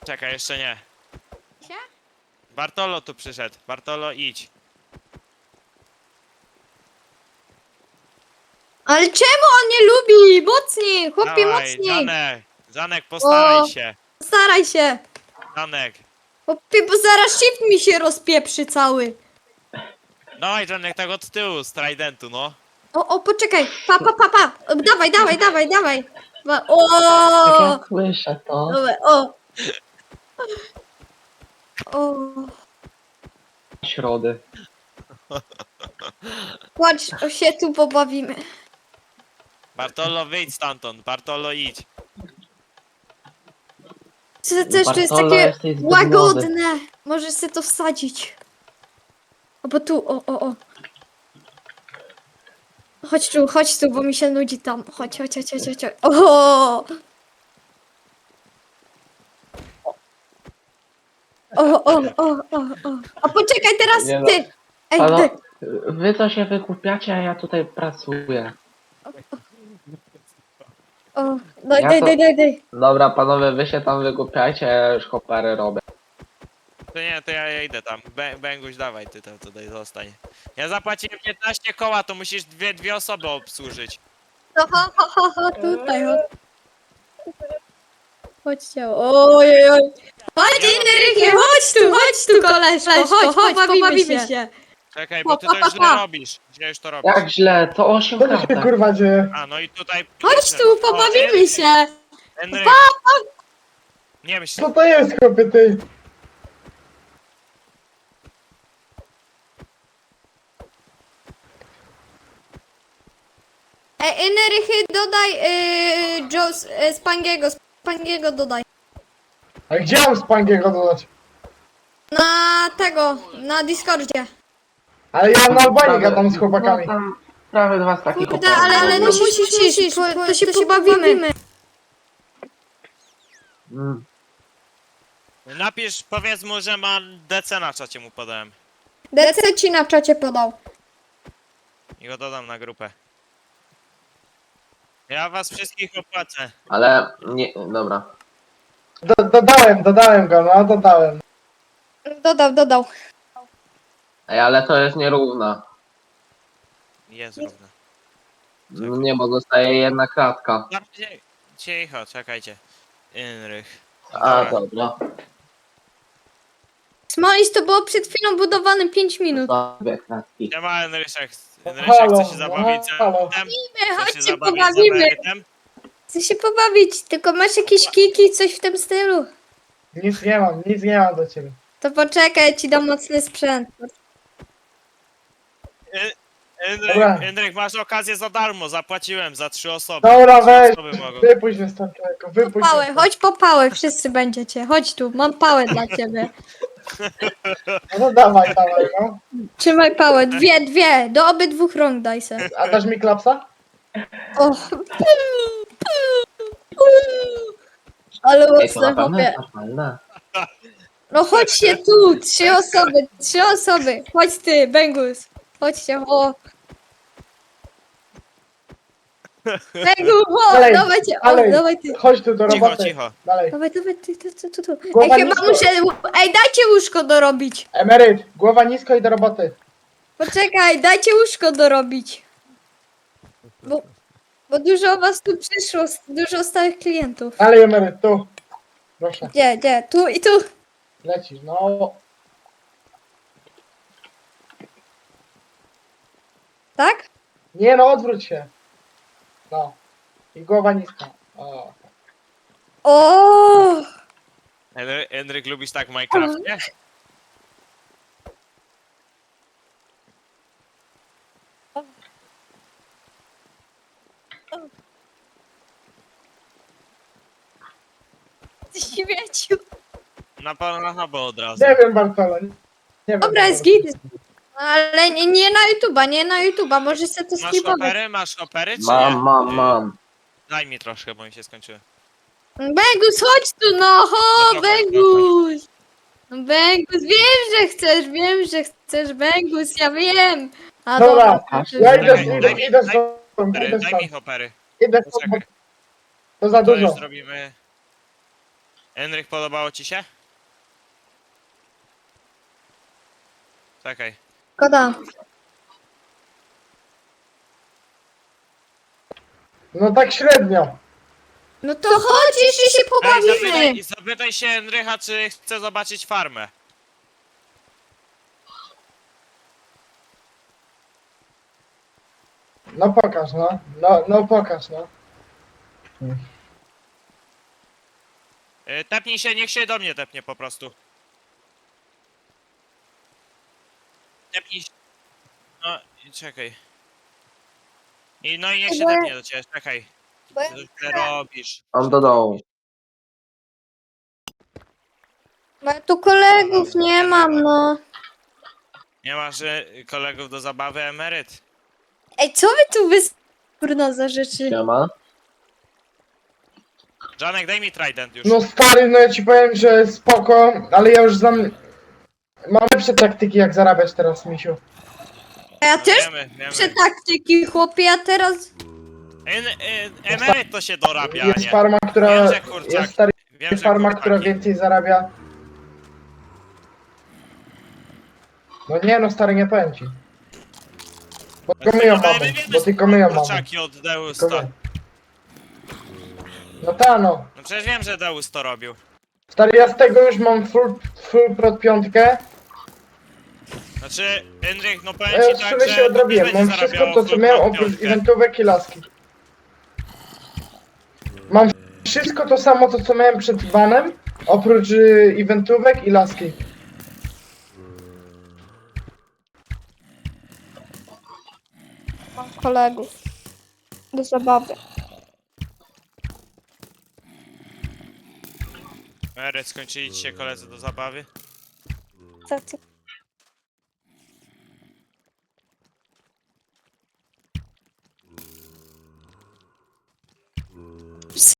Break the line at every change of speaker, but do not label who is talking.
Czekaj, jeszcze nie.
się?
Bartolo tu przyszedł. Bartolo, idź.
Ale czemu on nie lubi? Mocniej, chłopie,
Dawaj,
mocniej.
Janek. Janek, postaraj
O.
się.
Staraj się.
Janek.
Chłopie, bo zaraz shift mi się rozpieprzy cały.
Dawaj, Janek, tak od tyłu, z tridentu, no.
O, poczekaj. Pa. Dawaj, dawaj. O.
Tak ja słyszę to.
Dobra, o. O.
Środy.
Chodź, się tu pobawimy.
Bartolo, wyjdź stamtąd. Bartolo, idź.
To też to jest
Bartolo,
takie
jesteś zbyt
łagodne. Możesz sobie to wsadzić. O, bo tu, o. Chodź tu, bo mi się nudzi tam. Chodź. O! O. A poczekaj teraz
Nie no.
ty. Ej,
Halo,
ty.
wy co się wykupiacie, a ja tutaj pracuję.
O,
Ja to-
daj.
Dobra, panowie, wy się tam wykupiajcie, ja już hopery robię.
To nie, to ja idę tam. Bęguś, dawaj, ty tam tutaj zostań. Ja zapłaciłem 15 koła, to musisz dwie osoby obsłużyć.
No, ho, tutaj, chodź. Chodźcie, oj. Chodź, Enrique, chodź tu, koleżko, chodź, pobawimy się.
Czekaj, bo ty to już źle robisz. Źle już to robisz.
Jak źle, to 8
Co tu się
kartek.
kurwa dzieje?
A, no i tutaj...
Chodź tu, pobawimy się.
Henryk. Nie myśl.
Co to jest, chłopie, ty?
Enrique, dodaj Spangiego dodaj.
A gdzie mam Spangiego dodać?
Na Discordzie.
Ale ja na Albanii gadam z chłopakami.
No, tam prawie dwa z takich
Kurde, ale no musisz, to się pobawimy.
Mm.
Napisz, powiedz mu, że ma DC na czacie mu podałem.
DC ci na czacie podał.
I go dodam na grupę. Ja was wszystkich opłacę.
Ale nie, dobra.
Dodałem go, no dodałem.
Dodał.
Ej, ale to jest nierówna.
Jest równo.
No nie, bo zostaje jedna kratka.
Cicho, czekajcie. Inrych.
A, dobra.
Smolis to było przed chwilą budowane 5 minut.
To dwie kratki.
Siema Enryszek. Enryszek
Halo,
chce się zabawić
halo.
z Chce się
Chodźcie,
zabawić z
pobawimy.
emerytem?
Chcę się pobawić, tylko masz jakieś kiki, coś w tym stylu?
Nic nie mam do ciebie.
To poczekaj, ci dam mocny sprzęt.
Dobra.
Enryk, masz okazję za darmo, zapłaciłem za 3 osoby.
Dobra,
3
weź.
osoby mogą.
Wypuść mnie stąd, człowieku, wypuść mnie
Pałę,
stąd.
chodź po pałę, wszyscy będziecie. Chodź tu, mam pałę dla ciebie.
No to dawaj, no.
Trzymaj pałę, dwie, do obydwu rąk daj se.
A dasz mi klapsa?
O. Ale
Ej, to
mocne,
na pewno
chłopie.
jest normalne.
No chodźcie tu, 3 osoby. Chodź ty, Bengus. Chodźcie, o. Bengus, o,
Dalej,
dawajcie, o,
dalej.
dawaj ty.
Chodź tu do
Cicho,
roboty.
cicho.
Dalej.
Dawaj, tu. Ej,
Głowa
chyba
nisko.
muszę, ej, dajcie łóżko dorobić.
Emeryt, głowa nisko i do roboty.
Poczekaj, dajcie łóżko dorobić. Bo dużo was tu przyszło, dużo stałych klientów.
Dalej, emeryt, tu. Proszę,
Gdzie? Tu i tu.
lecisz, no.
Tak?
Nie no, odwróć się. No. I głowa niska. O.
O!
Enryk, lubisz tak w Minecrafcie?
Ty śmieciu.
Na Pornhuba od razu.
Nie wiem, Bartolo. Nie wiem.
Dobra, jest git. Ale nie na YouTube'a, może sobie to
Masz
sklipować.
hopery? Masz hopery, czy nie?
Mam.
Daj mi troszkę, bo mi się skończyły.
Bengus, chodź tu, no, ho,
No to chodź,
Bengus. No, Bengus, wiem, że chcesz, Bengus, ja wiem. A
Dobra,
to-
ja idę
Czekaj, daj mi-
stąd,
Hopery,
idę
daj
stąd.
mi hopery.
Idę stąd, bo
Poczekaj,
to za
to już
dużo.
zrobimy. Henryk, podobało ci się? Czekaj.
Szkoda.
No tak średnio.
No to chodź, jeszcze się
Ej,
pobawimy.
zapytaj się Henrycha, czy chce zobaczyć farmę.
No pokaż, no. No pokaż, no.
Tepnij się, niech się do mnie tepnie po prostu. Tepnij się. No, i czekaj. No i niech się
Bo ja-
tepnie do ciebie, czekaj.
Bo ja-
Co ty robisz?
On do dołu.
Bo ja tu kolegów nie mam, no.
Nie masz kolegów do zabawy, emeryt?
Ej, co wy tu kurna za rzeczy?
Siema.
Janek, daj mi trident już.
No stary, no ja ci powiem, że spoko, ale ja już znam... Mam lepsze taktyki jak zarabiać teraz, misiu.
A ja też
Wiemy.
muszę taktyki, chłopie, a teraz...
Emeryt to się dorabia,
Jest
nie?
farma, która...
Wiem, że kurczak.
Jest stary
Wiem, że
farma,
kurczaki.
która więcej zarabia. No nie no stary, nie powiem ci. Bo tylko my ją mamy, bo tylko my ją mamy.
Kurczaki od
Tylko
Deusta.
my. No ta no.
No przecież wiem, że Deus to robił.
Stary, ja z tego już mam full prot piątkę.
Znaczy, Henryk, no powiem
Ja
ci
już
tak,
sobie
że
się odrobiłem.
będzie
Mam wszystko
zarabiało
to, co
full
miałem,
prot
oprócz
piątkę.
eventówek i laski. Mam wszystko to samo, to co miałem przed banem, oprócz eventówek i laski.
Mam kolegów. Do zabawy.
Emeryt, skończyli ci się koledzy do zabawy?
Co ty?